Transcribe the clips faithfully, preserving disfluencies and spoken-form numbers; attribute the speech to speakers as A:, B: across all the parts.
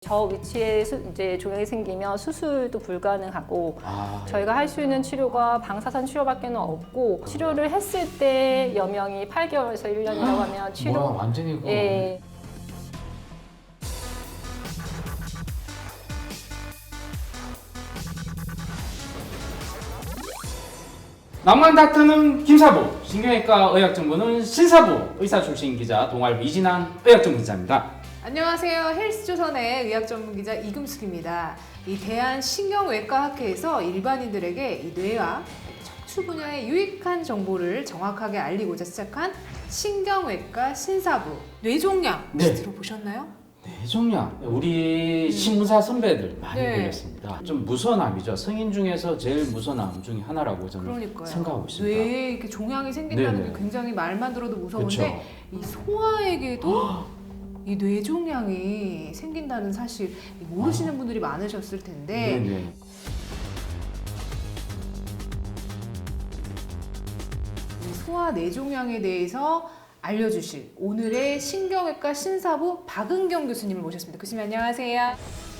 A: 저 위치에 수, 이제 종양이 생기면 수술도 불가능하고
B: 아,
A: 저희가 할 수 있는 치료가 방사선 치료밖에는 없고 치료를 했을 때 여명이 팔 개월에서 일 년이라고 하면 치료
B: 뭐야, 완전히 그
A: 예.
B: 낭만 닥터는 김사부, 신경외과 의학정보는 신사부, 의사 출신 기자 동아일보 이진한 의학정보 기자입니다.
C: 안녕하세요. 헬스조선의 의학전문기자 이금숙입니다. 이 대한신경외과학회에서 일반인들에게 이 뇌와 척추 분야의 유익한 정보를 정확하게 알리고자 시작한 신경외과 신사부 뇌종양 혹시
B: 네.
C: 들어보셨나요?
B: 뇌종양, 우리 신문사 선배들 많이
C: 네.
B: 걸렸습니다. 좀 무서운 암이죠. 성인 중에서 제일 무서운 암 중에 하나라고 저는
C: 그러니까요.
B: 생각하고 있습니다.
C: 뇌에 이렇게 종양이 생긴다는
B: 네네.
C: 게 굉장히 말만 들어도 무서운데
B: 그렇죠.
C: 이 소아에게도 이 뇌종양이 생긴다는 사실 모르시는 분들이 많으셨을 텐데
B: 네네.
C: 이 소아 뇌종양에 대해서 알려주실 오늘의 신경외과 신사부 박은경 교수님을 모셨습니다. 교수님 안녕하세요.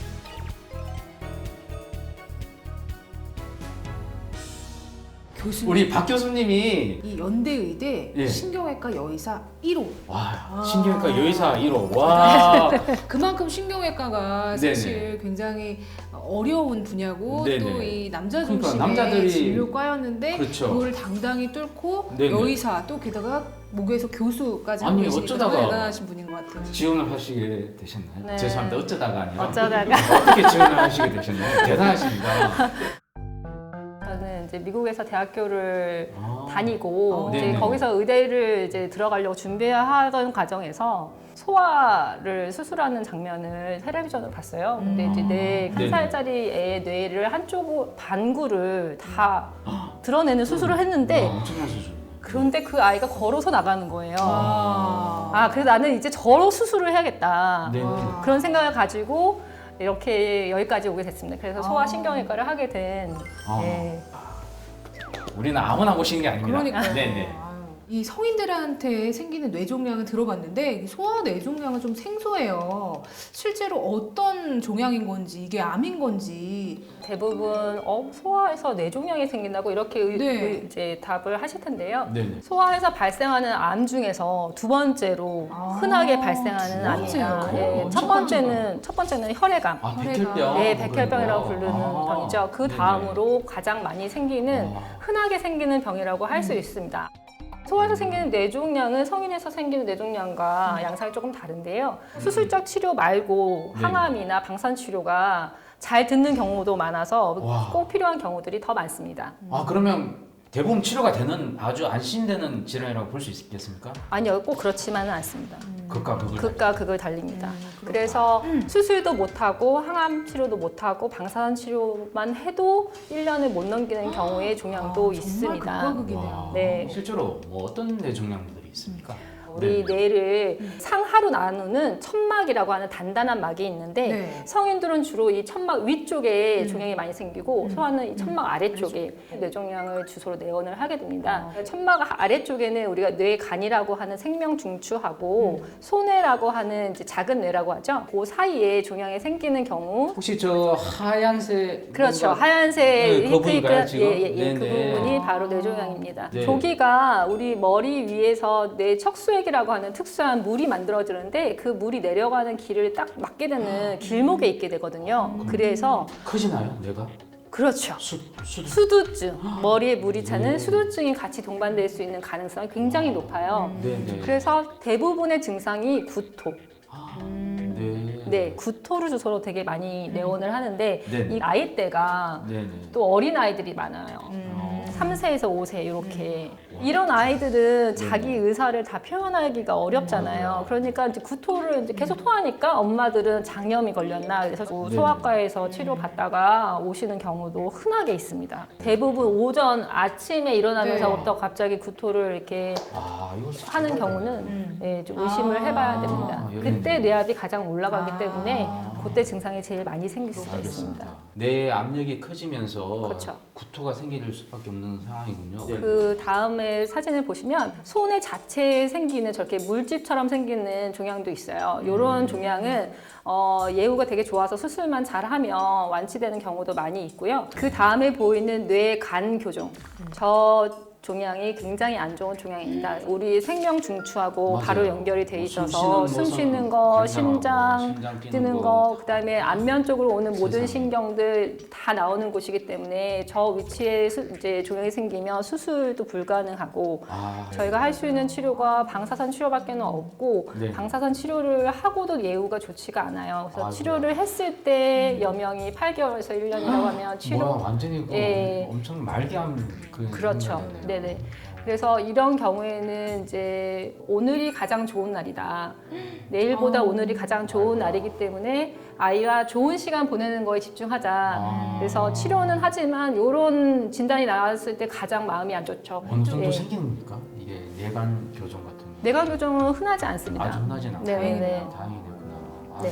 C: 교수님
B: 우리 박 교수님이
C: 이 연대의대
B: 예.
C: 신경외과 여의사 일 호
B: 와
C: 아.
B: 신경외과 여의사 일 호 와
C: 그만큼 신경외과가
B: 네네.
C: 사실 굉장히 어려운 분야고
B: 네네.
C: 또 이 남자
B: 그러니까
C: 중심의
B: 남자들이-
C: 진료과였는데
B: 그렇죠.
C: 그걸 당당히 뚫고
B: 네네.
C: 여의사 또 게다가 목에서 교수까지
B: 아니,
C: 하고 계시니까
B: 어쩌다가
C: 정말 대단하신 분인 것 같아요.
B: 지원을 하시게 되셨나요?
A: 네.
B: 죄송합니다. 어쩌다가 아니라
A: 어쩌다가.
B: 어떻게 지원을 하시게 되셨나요? 대단하십니다.
A: 저는 이제 미국에서 대학교를
B: 아.
A: 다니고
C: 어.
A: 이제
B: 네네.
A: 거기서 의대를 이제 들어가려고 준비하던 과정에서 소아를 수술하는 장면을 텔레비전으로 봤어요. 근데 이제 내 한
B: 네네.
A: 살짜리 애의 뇌를 한쪽 반구를 다 드러내는 수술을 했는데
B: 와, 엄청난 수술.
A: 그런데 그 아이가 걸어서 나가는 거예요.
C: 아,
A: 아, 그래서 나는 이제 저로 수술을 해야겠다.
B: 네.
C: 와.
A: 그런 생각을 가지고 이렇게 여기까지 오게 됐습니다. 그래서
C: 아.
A: 소아신경외과를 하게 된
B: 아.
A: 예.
B: 우리는 아무나 오시는 게 아닙니다.
C: 그러니까요.
B: 네네.
C: 아유, 이 성인들한테 생기는 뇌종양은 들어봤는데 소아 뇌종양은 좀 생소해요. 실제로 어떤 종양인 건지 이게 암인 건지
A: 대부분 어, 소아에서 뇌종양이 생긴다고 이렇게 의-
C: 네.
A: 의- 이제 답을 하실 텐데요.
B: 네네.
A: 소아에서 발생하는 암 중에서 두 번째로
C: 아,
A: 흔하게 발생하는
C: 두
A: 암입니다.
C: 번째요?
A: 예,
B: 엄청
A: 첫 번째는 첫 번째는 혈액암.
B: 아
C: 혈액암.
B: 백혈병.
A: 네, 백혈병이라고 부르는
B: 아,
A: 병이죠. 그
B: 네네.
A: 다음으로 가장 많이 생기는
B: 아.
A: 흔하게 생기는 병이라고 할 수 있습니다. 소아에서 생기는 뇌종양은 성인에서 생기는 뇌종양과 양상이 조금 다른데요. 수술적 치료 말고
B: 네.
A: 항암이나 방사선 치료가 잘 듣는 경우도 많아서
B: 와.
A: 꼭 필요한 경우들이 더 많습니다.
B: 아 그러면 대부분 치료가 되는 아주 안심되는 질환이라고 볼 수 있겠습니까?
A: 아니요, 꼭 그렇지만은 않습니다.
B: 극과 극을.
A: 극과 극을 달립니다.
C: 음, 그렇구나.
A: 그래서 수술도 못하고 항암 치료도 못하고 방사선 치료만 해도 일 년을 못 넘기는 경우의 종양도
C: 아,
A: 있습니다.
C: 정말 극과 극이네요.
B: 와,
A: 네.
B: 실제로 뭐 어떤 뇌종양들이 있습니까?
A: 우리
B: 네.
A: 뇌를 상하로 나누는 천막이라고 하는 단단한 막이 있는데
C: 네.
A: 성인들은 주로 이 천막 위쪽에
C: 음.
A: 종양이 많이 생기고
C: 음.
A: 소아는 이 천막 아래쪽에 뇌종양을 주소로 내원을 하게 됩니다. 천막 아래쪽에는 우리가 뇌간이라고 하는 생명 중추하고
C: 음.
A: 소뇌라고 하는 이제 작은 뇌라고 하죠. 그 사이에 종양이 생기는 경우
B: 혹시 저 하얀색
A: 그렇죠.
B: 뭔가-
A: 하얀색
B: 네, 그
A: 히트히트-
B: 부분인가요, 지금?
A: 예, 예, 예. 그
B: 네네.
A: 부분이 바로 뇌종양입니다.
B: 네.
A: 조기가 우리 머리 위에서 뇌 척수액이라고 하는 특수한 물이 만들어지는데 그 물이 내려가는 길을 딱 맞게 되는 길목에 있게 되거든요. 그래서
B: 커지나요, 뇌가?
A: 그렇죠.
B: 수, 수,
A: 수두증, 머리에 물이 차는
B: 네.
A: 수두증이 같이 동반될 수 있는 가능성이 굉장히 높아요.
B: 네네.
A: 그래서 대부분의 증상이 구토.
B: 아,
C: 음.
B: 네.
A: 네, 구토를 주소로 되게 많이 내원을 하는데
B: 네네.
A: 이 나이대가
B: 네네.
A: 또 어린 아이들이 많아요.
C: 음.
A: 삼 세에서 오 세 이렇게 이런 아이들은
B: 네.
A: 자기 의사를 다 표현하기가 어렵잖아요. 그러니까 이제 구토를 이제 계속 토하니까 엄마들은 장염이 걸렸나 그래서 뭐
B: 네.
A: 소아과에서 치료 받다가 오시는 경우도 흔하게 있습니다. 대부분 오전 아침에 일어나면서부터 갑자기 구토를 이렇게
B: 아, 이거
A: 하는 경우는
C: 음.
A: 예, 좀 의심을
C: 아.
A: 해봐야 됩니다.
B: 아, 예.
A: 그때 뇌압이 가장 올라가기
C: 아.
A: 때문에 그때 증상이 제일 많이 생길 수가 있습니다.
B: 뇌 압력이 커지면서
A: 그렇죠.
B: 구토가 생길 수밖에 없는 상황이군요.
A: 그 다음에 사진을 보시면 손의 자체에 생기는 저렇게 물집처럼 생기는 종양도 있어요. 이런 종양은 어, 예후가 되게 좋아서 수술만 잘하면 완치되는 경우도 많이 있고요. 그 다음에 보이는 뇌 간 교종. 저 종양이 굉장히 안 좋은 종양입니다. 우리 생명 중추하고
B: 맞아요.
A: 바로 연결이 돼
B: 뭐
A: 있어서
B: 숨
A: 숨
B: 쉬는
A: 쉬는
B: 거,
A: 거,
B: 간장하고
A: 심장
B: 심장 뛰는
A: 뛰는
B: 거.
A: 거, 그다음에 안면 쪽으로 오는 모든
B: 세상에.
A: 신경들 다 나오는 곳이기 때문에 저 위치에 수, 이제 종양이 생기면 수술도 불가능하고
B: 아,
A: 저희가 할 수 있는 치료가 방사선 치료밖에는 없고
B: 네.
A: 방사선 치료를 하고도 예후가 좋지가 않아요. 그래서
B: 아,
A: 치료를 했을 때 여명이 팔 개월에서 일 년이라고 하면 치료
B: 뭐야 완전히 그
A: 예.
B: 엄청 말기암 그
A: 그렇죠.
B: 생각이네요.
A: 네네. 그래서 이런 경우에는 이제 오늘이 가장 좋은 날이다. 내일보다
C: 어.
A: 오늘이 가장 좋은 날이기 때문에 아이와 좋은 시간 보내는 거에 집중하자.
B: 아.
A: 그래서 치료는 하지만 이런 진단이 나왔을 때 가장 마음이 안 좋죠.
B: 어느 정도
A: 예.
B: 생기는 겁니까? 이게 뇌관 교정 같은 거.
A: 내가 교정은 흔하지 않습니다.
B: 아주 흔하진 않고
A: 네네네.
B: 다행이 됐구나. 아,
A: 네.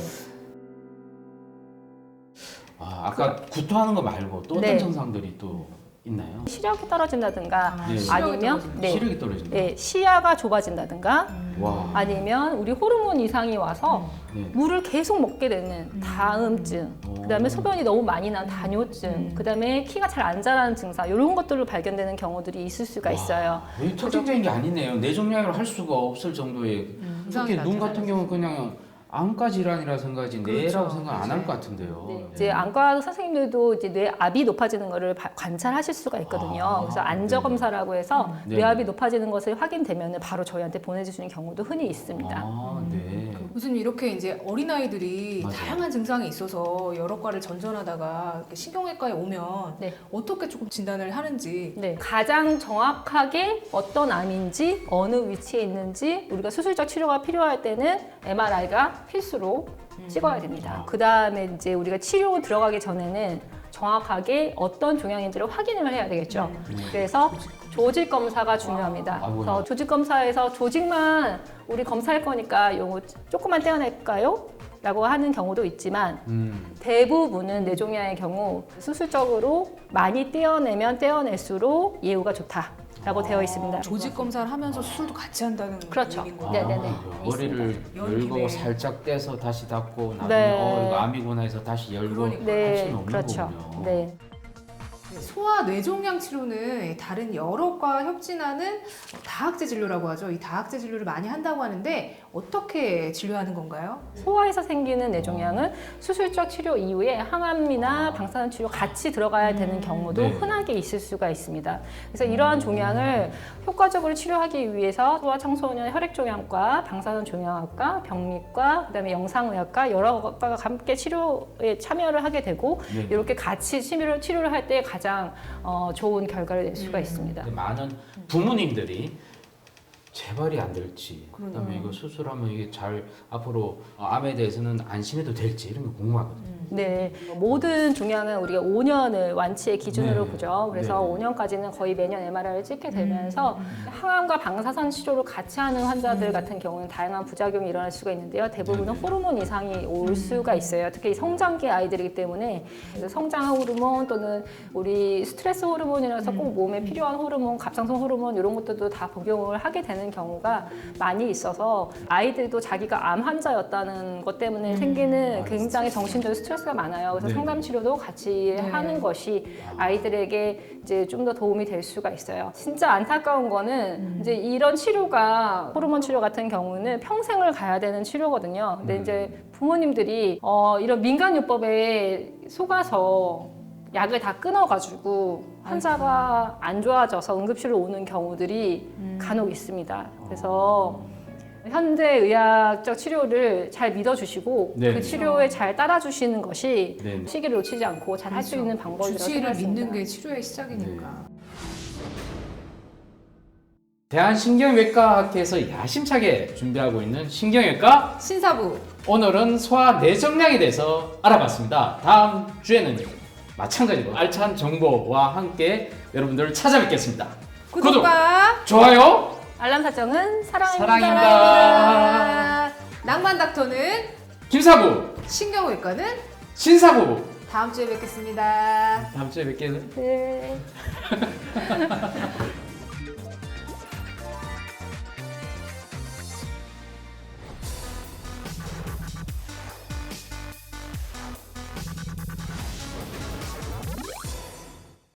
B: 아, 아까 구토하는 거 말고 또 어떤
A: 네.
B: 증상들이 또 있나요?
A: 시력이 떨어진다든가
B: 네.
A: 아니면 네.
B: 시력이 떨어진다.
A: 네, 시야가 좁아진다든가
B: 와.
A: 아니면 우리 호르몬 이상이 와서
B: 네.
A: 물을 계속 먹게 되는 다음증,
B: 오.
A: 그다음에 소변이 너무 많이 난 다뇨증, 그다음에 키가 잘 안 자라는 증상 이런 것들로 발견되는 경우들이 있을 수가 있어요.
B: 이 특징적인 게 아니네요. 뇌종양으로 할 수가 없을 정도의 특히
C: 증상이
B: 눈 같은
C: 나타나는
B: 경우는 그냥 암과 질환이라 생각하지
C: 그렇죠.
B: 뇌라고 생각 안 할
C: 네.
B: 것 같은데요.
A: 네,
B: 네.
A: 이제 안과 선생님들도 이제 뇌압이 높아지는 것을 바- 관찰하실 수가 있거든요.
B: 아,
A: 그래서 안저 검사라고 해서
B: 네.
A: 뇌압이 높아지는 것을 확인되면 바로 저희한테 보내주시는 경우도 흔히 있습니다.
B: 아, 네.
C: 교수님 이렇게 이제 어린아이들이
B: 맞아요.
C: 다양한 증상이 있어서 여러 과를 전전하다가 이렇게 신경외과에 오면
A: 네.
C: 어떻게 조금 진단을 하는지
A: 네, 가장 정확하게 어떤 암인지 어느 위치에 있는지 우리가 수술적 치료가 필요할 때는 엠알아이가 필수로 찍어야 됩니다. 그 다음에 이제 우리가 치료 들어가기 전에는 정확하게 어떤 종양인지를 확인을 해야 되겠죠. 그래서 조직 검사가 중요합니다.
B: 아, 뭐야.
A: 그래서 조직 검사에서 조직만 우리 검사할 거니까 요거 조금만 떼어낼까요? 라고 하는 경우도 있지만
B: 음.
A: 대부분은 뇌종양의 경우 수술적으로 많이 떼어내면 떼어낼수록 예후가 좋다라고 되어 있습니다.
C: 조직 검사를 하면서 수술도 같이 한다는
A: 그렇죠.
C: 얘기인 거예요.
A: 네네네.
B: 아, 머리를
C: 열기,
B: 열고
C: 네.
B: 살짝 떼서 다시 닫고 나중에
A: 네.
B: 어 이거 암이구나 해서 다시 열고
C: 그러니까.
B: 할 수는
A: 네,
B: 없는
A: 그렇죠.
B: 거군요.
A: 네.
C: 소아 뇌종양 치료는 다른 여러 과 협진하는 다학제 진료라고 하죠. 이 다학제 진료를 많이 한다고 하는데 어떻게 진료하는 건가요?
A: 소아에서 생기는 뇌종양은 수술적 치료 이후에 항암이나 방사선 치료 같이 들어가야 되는 경우도
B: 네.
A: 흔하게 있을 수가 있습니다. 그래서 이러한 종양을 효과적으로 치료하기 위해서 소아 청소년 혈액종양과 방사선 종양학과, 병리과, 그다음에 영상의학과 여러 과가 함께 치료에 참여를 하게 되고
B: 네.
A: 이렇게 같이 치료를 치료를 할 때 가장 어, 좋은 결과를 낼 수가 있습니다.
B: 근데 많은 부모님들이 재발이 안 될지,
C: 그러네요.
B: 그다음에 이거 수술하면 이게 잘 앞으로 암에 대해서는 안심해도 될지 이런 게 궁금하거든요.
A: 네, 모든 종양은 우리가 오 년을 완치의 기준으로
B: 네.
A: 보죠. 그래서
B: 네.
A: 오 년까지는 거의 매년 엠알아이를 찍게 되면서 항암과 방사선 치료를 같이 하는 환자들 같은 경우는 다양한 부작용이 일어날 수가 있는데요. 대부분은
B: 네.
A: 호르몬 이상이 올 수가 있어요. 특히 성장기 아이들이기 때문에 그래서 성장 호르몬 또는 우리 스트레스 호르몬이라서 꼭 몸에 필요한 호르몬, 갑상선 호르몬 이런 것들도 다 복용을 하게 되는 경우가 많이 있어서 아이들도 자기가 암 환자였다는 것 때문에 생기는 굉장히 정신적인 스트레스가 많아요. 그래서
B: 네.
A: 상담 치료도 같이
C: 네.
A: 하는 것이 아이들에게 이제 좀 더 도움이 될 수가 있어요. 진짜 안타까운 거는 이제 이런 치료가 호르몬 치료 같은 경우는 평생을 가야 되는 치료거든요. 근데
B: 음.
A: 이제 부모님들이 어, 이런 민간요법에 속아서 약을 다 끊어가지고 환자가 안 좋아져서 응급실로 오는 경우들이 간혹 있습니다. 그래서 현대의학적 치료를 잘 믿어주시고
B: 네.
A: 그 치료에 잘 따라주시는 것이
B: 네.
A: 시기를 놓치지 않고 잘 할 수
C: 그렇죠.
A: 있는 방법이라고
C: 주치의를
A: 생각합니다.
C: 믿는 게 치료의 시작이니까.
B: 대한신경외과학회에서 야심차게 준비하고 있는 신경외과
C: 신사부
B: 오늘은 소아 뇌종양에 대해서 알아봤습니다. 다음 주에는 마찬가지로 알찬 정보와 함께 여러분들을 찾아뵙겠습니다.
C: 구독과
B: 좋아요,
A: 알람 설정은 사랑입니다.
B: 사랑입니다.
C: 낭만 닥터는
B: 김사부
C: 신경외과는
B: 신사부.
C: 다음 주에 뵙겠습니다.
B: 다음 주에 뵙겠.
A: 네.